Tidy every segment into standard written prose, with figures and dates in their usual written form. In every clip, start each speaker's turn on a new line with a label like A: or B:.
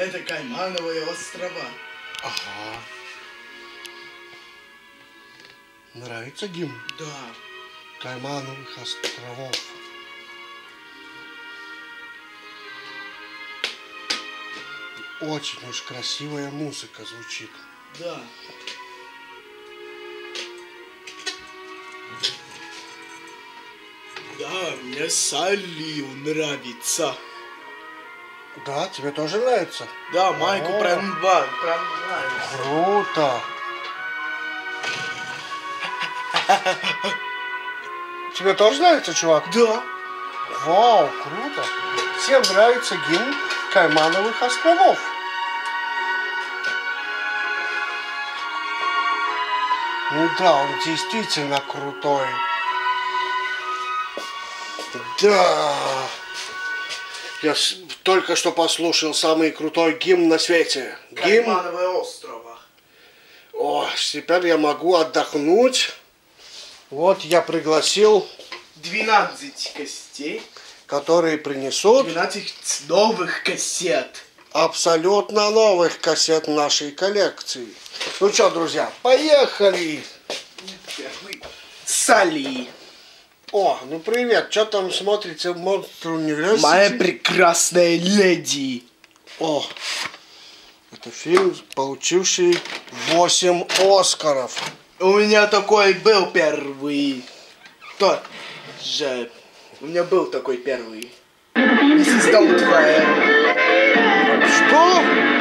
A: Это Каймановые острова.
B: Ага. Нравится гимн?
A: Да.
B: Каймановых островов. Очень уж красивая музыка звучит.
A: Да. Да, мне Салли нравится.
B: Да, тебе тоже нравится?
A: Да, Майку прям нравится.
B: Круто. Тебе тоже нравится, чувак?
A: Да.
B: Вау, круто. Всем нравится гимн Каймановых островов. Ну да, он действительно крутой. Да. Я только что послушал самый крутой гимн на свете.
A: Каймановые острова.
B: О, теперь я могу отдохнуть. Вот я пригласил
A: 12 костей.
B: которые принесут
A: 12 новых кассет.
B: абсолютно новых кассет нашей коллекции. Ну что, друзья, поехали!
A: Салли.
B: О, ну привет, что там смотрите в Monster University?
A: Моя прекрасная леди.
B: О, это фильм, получивший 8 Оскаров.
A: У меня такой был первый. Тот же. У меня был такой первый. Миссис Даутфайр.
B: Что?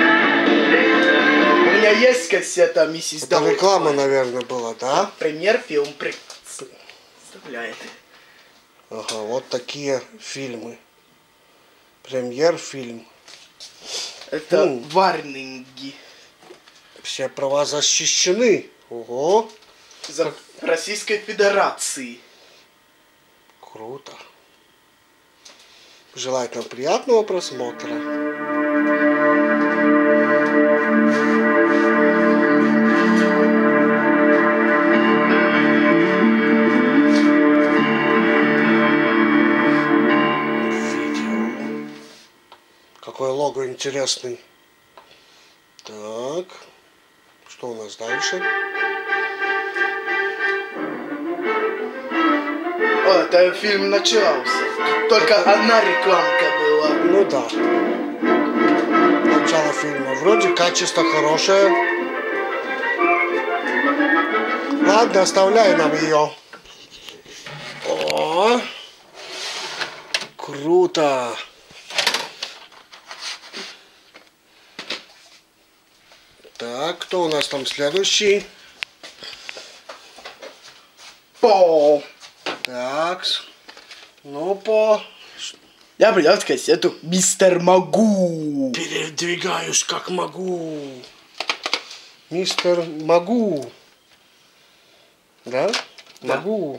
A: У меня есть кассета Миссис
B: Это
A: Даутфайр.
B: реклама, наверное, была, да?
A: Премьер-фильм представляет.
B: Ага, вот такие фильмы. Премьер-фильм.
A: Это варнинги.
B: Все права защищены. Ого.
A: За Российской Федерации.
B: Круто. Желаю нам приятного просмотра. Видео. Какой лого интересный. Так. Что у нас дальше?
A: О, это фильм начался. Только одна рекламка была.
B: Ну да. Начало фильма. Вроде качество хорошее. Ладно, оставляй нам ее. О, круто. Так, кто у нас там следующий?
A: По.
B: Так, ну по...
A: Я принес кассету Мистер Магу.
B: Передвигаюсь как могу. Мистер Магу. Да?
A: Да.
B: Могу.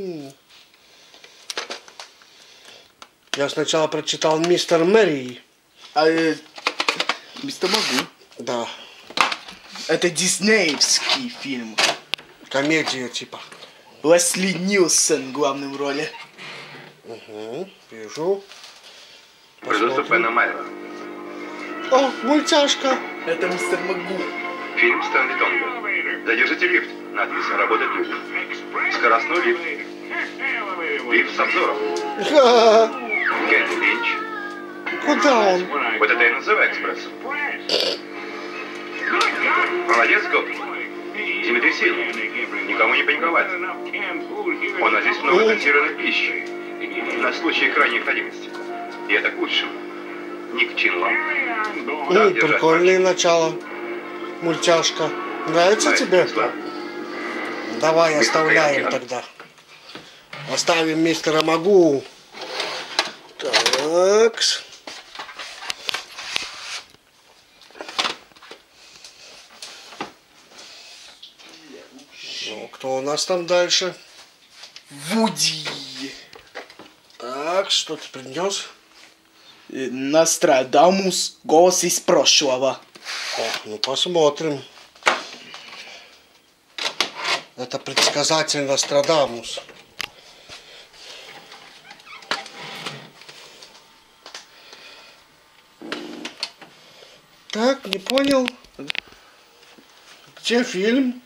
B: Я сначала прочитал Мистер Мэри.
A: А Мистер Магу.
B: Да.
A: Это диснеевский фильм.
B: Комедия типа.
A: Лесли Нилсон в главной роли.
B: Угу, вижу.
C: Пена Майла.
B: О, мультяшка.
A: Это Мистер Магу.
C: Фильм Стэнли Тонга. Задержите лифт. Надпись «Работать люди». Скоростной лифт. Лифт с обзором. Кенни Линч.
B: Куда он?
C: Вот это и называю экспрессом. Молодец, Гоп. Землетрясение. Никому не паниковать. У нас здесь много консервированной пищи. На случай крайней необходимости. И это к лучшему. Не к чинлам.
B: Прикольное начало. Мультяшка. Нравится тебе? Давай оставляем тогда. Оставим мистера Магу. Так. Ну, кто у нас там дальше?
A: Вуди.
B: Так, что ты принес?
A: Нострадамус. Голос из прошлого.
B: О, ну посмотрим. Это предсказатель Нострадамус. Так, не понял. Где фильм?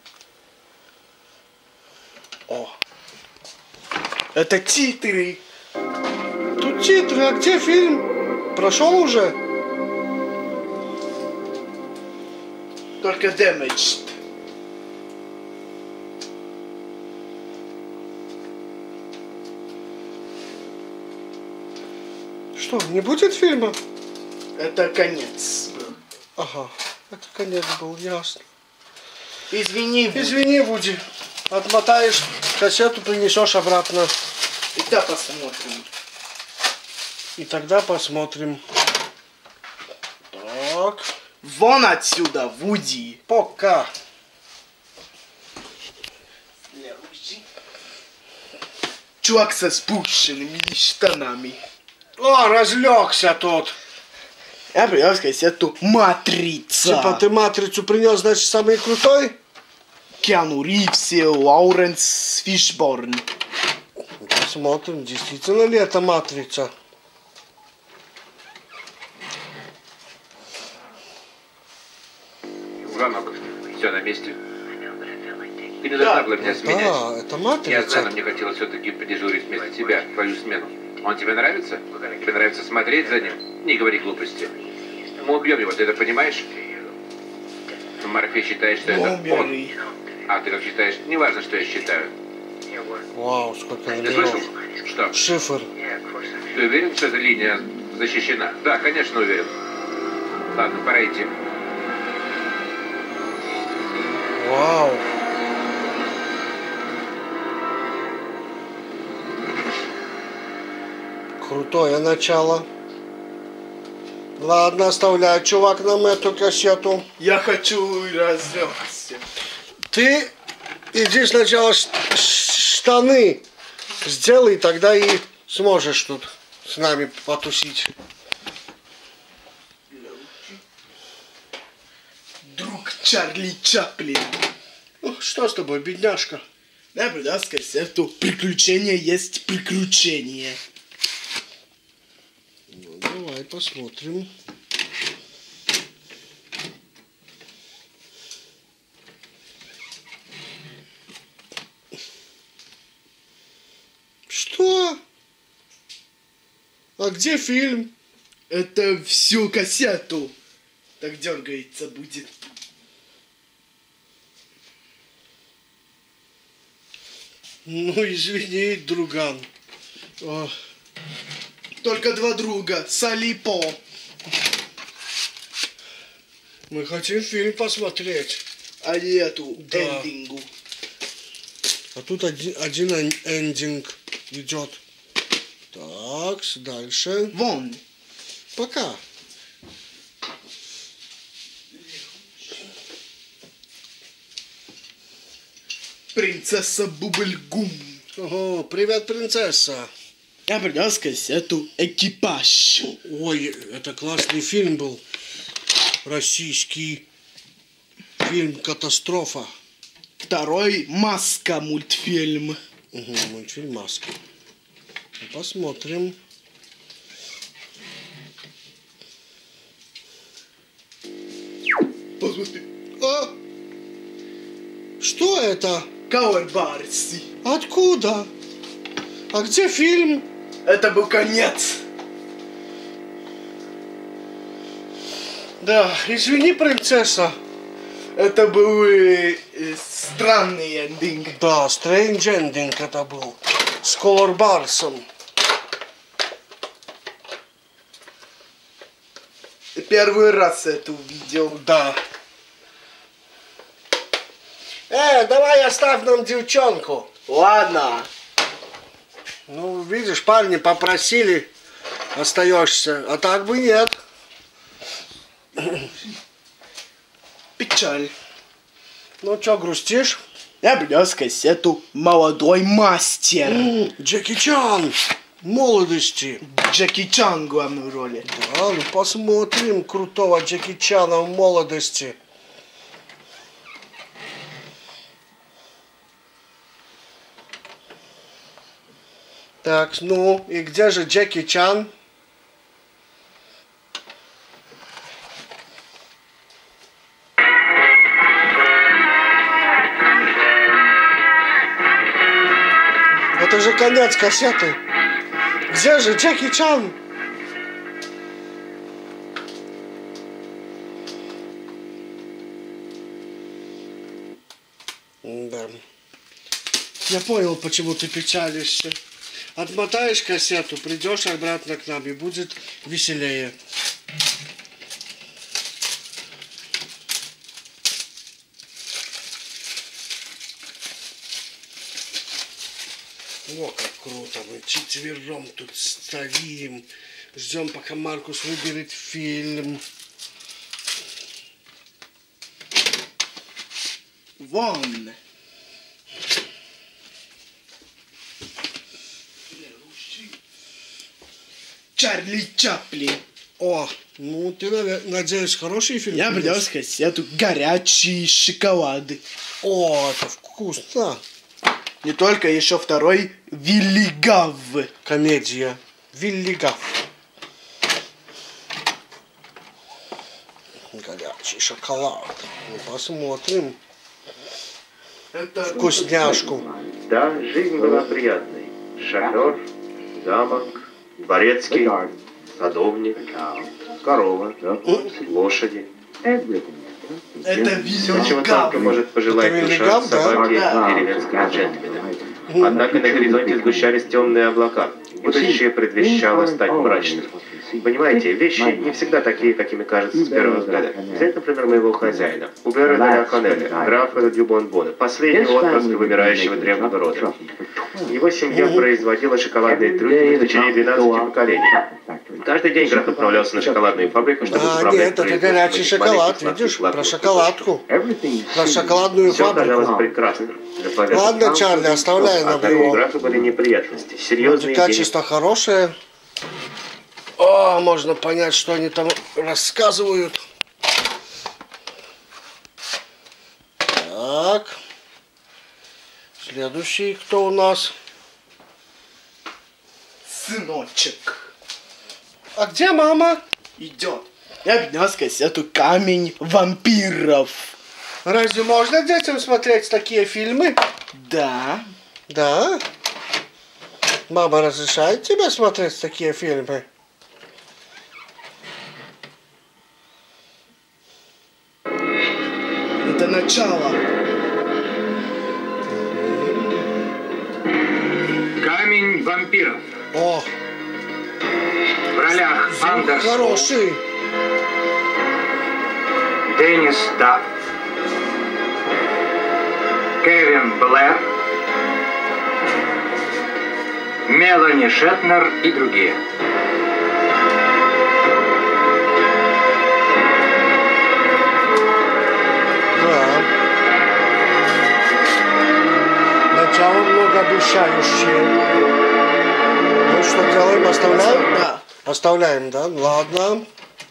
B: О.
A: Это титры.
B: Тут титры, а где фильм? Прошел уже?
A: Только Damaged.
B: Что, не будет фильма?
A: Это конец.
B: Ага, это конец был, ясно.
A: Извини, Вуди.
B: Извини, Вуди. Отмотаешь кассету, принесешь обратно.
A: И тогда посмотрим.
B: И тогда посмотрим. Так.
A: Вон отсюда, Вуди.
B: Пока.
A: Чувак со спущенными штанами.
B: О, разлегся тут.
A: Я принес кассету «Матрица».
B: Типа ты матрицу принес, значит, самый крутой?
A: Киану Ривз и Лауренс Фишборн.
B: Посмотрим, действительно ли это матрица.
C: Звонок. Все на месте. Ты не должна была меня сменять.
B: Да, это матрица.
C: Я знаю, но мне хотелось все-таки подежурить вместо тебя, твою смену. Он тебе нравится? Тебе нравится смотреть за ним? Не говори глупости. Мы убьем его, ты это понимаешь? Морфей считает, что это он.
A: Бомберы.
C: А ты как считаешь? Неважно, что я считаю.
B: Вау, сколько
C: Ты слышал?
B: номеров.
C: Что?
B: Шифр.
C: Ты уверен, что эта линия защищена? Да, конечно, уверен. Ладно, пора идти.
B: Вау. Крутое начало. Ладно, оставляй, чувак, нам эту кассету.
A: Я хочу разлегся.
B: Ты иди сначала штаны сделай, тогда и сможешь тут с нами потусить.
A: Друг Чарли Чаплин.
B: Ну, что с тобой, бедняжка?
A: Я принес кассету «Приключения есть приключения».
B: Ну, давай посмотрим. Что? А где фильм?
A: Это всю кассету. Так дергается будет.
B: Ну, извини, друган. О,
A: Только два друга. Салипо.
B: мы хотим фильм посмотреть.
A: А не эту
B: Да.
A: эндингу.
B: А тут один эндинг идет. Так, дальше.
A: Вон.
B: Пока.
A: Принцесса Бубльгум.
B: Ого, привет, принцесса.
A: Я принес кассету «Экипаж».
B: Ой, это классный фильм был. Российский фильм «Катастрофа».
A: Второй «Маска» мультфильм.
B: Угу, мультфильм «Маска». Посмотрим.
A: Посмотри.
B: А? Что это?
A: Кауэрбарси.
B: Откуда? А где фильм?
A: Это был конец.
B: Да, извини, принцесса.
A: Это был странный эндинг.
B: Да, Strange Ending это был. С Колор Барсом.
A: Первый раз это увидел.
B: Да. Давай оставь нам девчонку.
A: Ладно.
B: Ну, видишь, парни попросили, остаешься. А так бы нет.
A: Печаль.
B: Ну, что, грустишь?
A: Я принес кассету «Молодой мастер».
B: Джеки Чан. Молодости.
A: Джеки Чан в главной роли.
B: Да, ну посмотрим крутого Джеки Чана в молодости. Так, ну, и где же Джеки Чан? конец кассеты. Где же Джеки Чан? Да. Я понял, почему ты печалишься. Отмотаешь кассету, придешь обратно к нам и будет веселее. О, как круто, мы четвером тут стоим, ждем, пока Маркус выберет фильм.
A: Вон. Чарли Чаплин.
B: О, ну ты, надеюсь, хороший фильм?
A: Я принес кассету «Горячий шоколад».
B: О, это вкусно.
A: Не только, еще второй «Вилли Гав».
B: Комедия. Вилли Гав. Горячий шоколад. Ну, посмотрим.
A: Это
B: Вкусняшку.
C: Да, жизнь была приятной. Шофер, замок, дворецкий, садовник, корова, лошади.
A: Это
C: Все, чего
A: «Вилли Гав».
C: только может пожелать
B: Это
C: душа
B: Вильгам, да?
C: собаки
A: Да.
C: деревенского джентльмена. Однако на горизонте сгущались темные облака. Будущее предвещало стать мрачным. Понимаете, вещи не всегда такие, какими кажутся с первого взгляда. Взять, например, моего хозяина, Убера де ля Коннеля, графа дю Бонбона, последнего отпрыска вымирающего древнего рода. Его семья производила шоколадные трюфели в течение 12 поколений. Каждый день граф отправлялся на шоколадную фабрику, чтобы
B: А,
C: управлять
B: нет, это
C: производством
B: горячий
C: этих
B: шоколад,
C: маленьких
B: видишь,
C: сладких
B: про шоколадку, про шоколадную
C: Все казалось
B: фабрику.
C: прекрасным.
B: Ладно, Чарли, оставляй нам
C: Однако у
B: его.
C: графа были неприятности. Серьезные
B: Качество хорошее. О, можно понять, что они там рассказывают. Так. Следующий кто у нас?
A: Сыночек.
B: А где мама?
A: Идет. Я принес кассету «Камень вампиров».
B: Разве можно детям смотреть такие фильмы?
A: Да.
B: Да. Мама разрешает тебе смотреть такие фильмы?
A: Это начало.
D: Камень вампиров.
B: О,
D: В ролях Андерс
B: хороший.
D: Деннис Дафф, Кевин Блэр, Мелани Шетнер и другие.
B: Да. Начало многообещающее. Ну что делаем? Оставляем?
A: Да.
B: Оставляем, да? Ладно.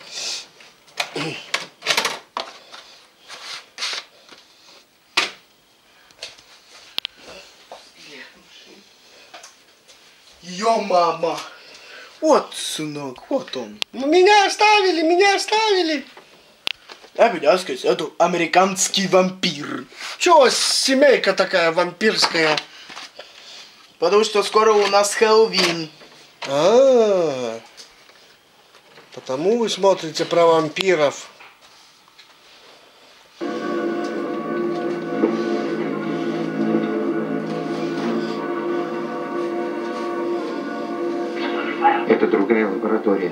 A: Ее мама. Вот, сынок, вот он.
B: Меня оставили, меня оставили.
A: Я принес кассету «Американский вампир».
B: Чего семейка такая вампирская?
A: Потому что скоро у нас Хэллоуин.
B: А, потому вы смотрите про вампиров.
D: Это другая лаборатория.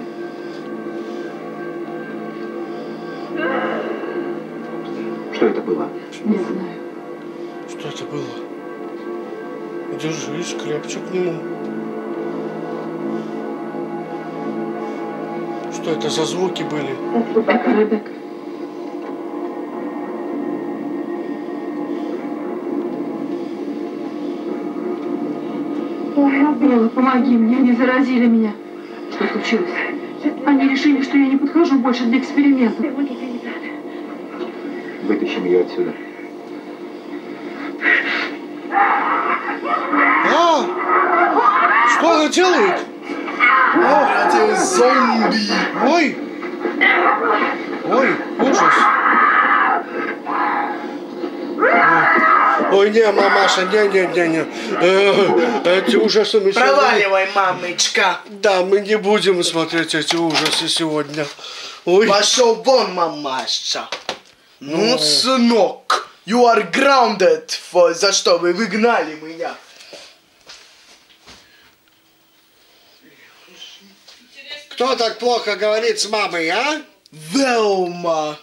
D: Что это было?
E: Не знаю.
B: Что это было? Держись крепче к нему. Что это за звуки были?
E: Это Ребекка. Белла, помоги мне, они заразили меня. Что случилось? Они решили, что я не подхожу больше для экспериментов.
D: Вытащим ее отсюда.
B: А! Что она делает?
A: Эти зомби.
B: Ой! Ой, ужас! Ой, Не, мамаша, не. Эти ужасы мы сегодня...
A: Проваливай, мамочка.
B: Да, мы не будем смотреть эти ужасы сегодня. Ой.
A: Пошел вон, мамаша. Ну, сынок, you are grounded. За что вы выгнали меня?
B: Кто так плохо говорит с мамой, а?
A: Велма.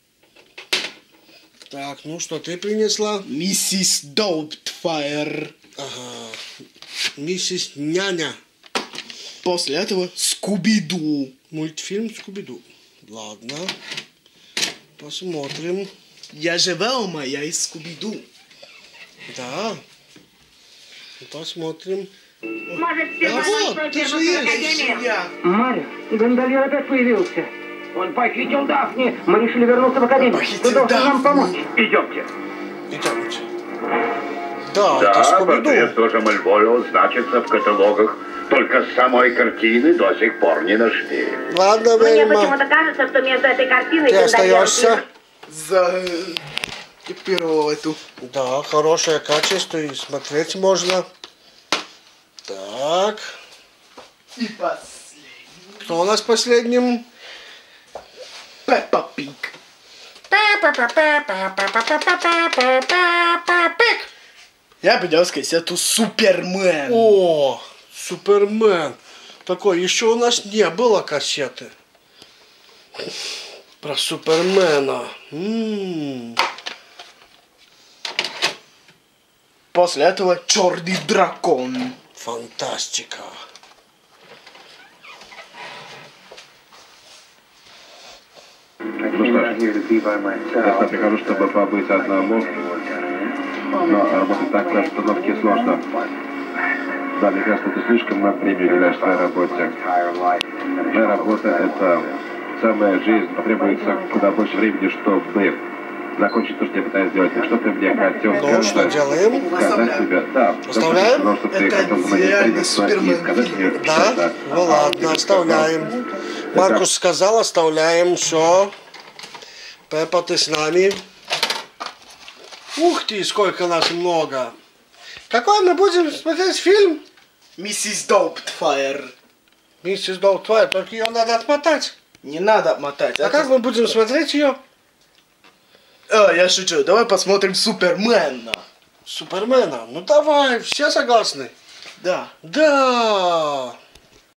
B: Так, ну что ты принесла?
A: Миссис Доубтфайр.
B: Ага. Миссис Няня.
A: После этого Скуби-Ду.
B: Мультфильм Скуби-Ду. Ладно. Посмотрим.
A: Я же Велма, я из Скуби-Ду.
B: Да. Посмотрим.
F: Может, все
B: А вот, ты же есть.
A: Я.
F: Марья, гондольер опять появился. Он похитил Дафни. Мы решили вернуться в академию.
A: Похитил
F: Ты должен нам
A: Дафни.
F: помочь. Идемте.
B: Идемте. Да, это
G: Да,
B: Скуби-Ду.
G: портрет тоже Мальборо значится в каталогах. Только самой картины до сих пор не нашли.
B: Ладно,
H: Мне
B: Вельма.
H: почему-то кажется, что между этой картиной
B: Ты остаешься.
A: За первого эту.
B: Да, хорошее качество и смотреть можно. Так.
A: И последний.
B: Кто у нас последним?
A: Пеппа Пиг. Я принес кассету Супермен.
B: О, Супермен. Такой, еще у нас не было кассеты. Про Супермена.
A: После этого Черный дракон.
B: Фантастика.
G: Ну что ж, я прихожу, чтобы побыть одному, но работать так при обстановке сложно. Да, мне кажется, ты слишком много времени уделяешь своей работе. Моя работа — это самая жизнь, потребуется куда больше времени, чтобы закончить то, что я пытаюсь сделать. И что ты мне хотел
B: Ну, что делаем?
G: сказать тебе? Да,
B: Оставляем?
G: потому что ты
A: Это
G: хотел со мной
A: идеальный
G: встретиться и
A: Супермен.
G: сказать мне,
B: Да?
G: что
B: Ну ладно, оставляем. Маркус сказал, оставляем, все. Пеппа, ты с нами. Ух ты, сколько нас много. Какой мы будем смотреть фильм?
A: Миссис Доубтфайр.
B: Миссис Доубтфайр, только ее надо отмотать.
A: Не надо мотать.
B: А как мы будем смотреть ее?
A: Я шучу. Давай посмотрим Супермена.
B: Супермена. Ну давай, все согласны?
A: Да.
B: Да.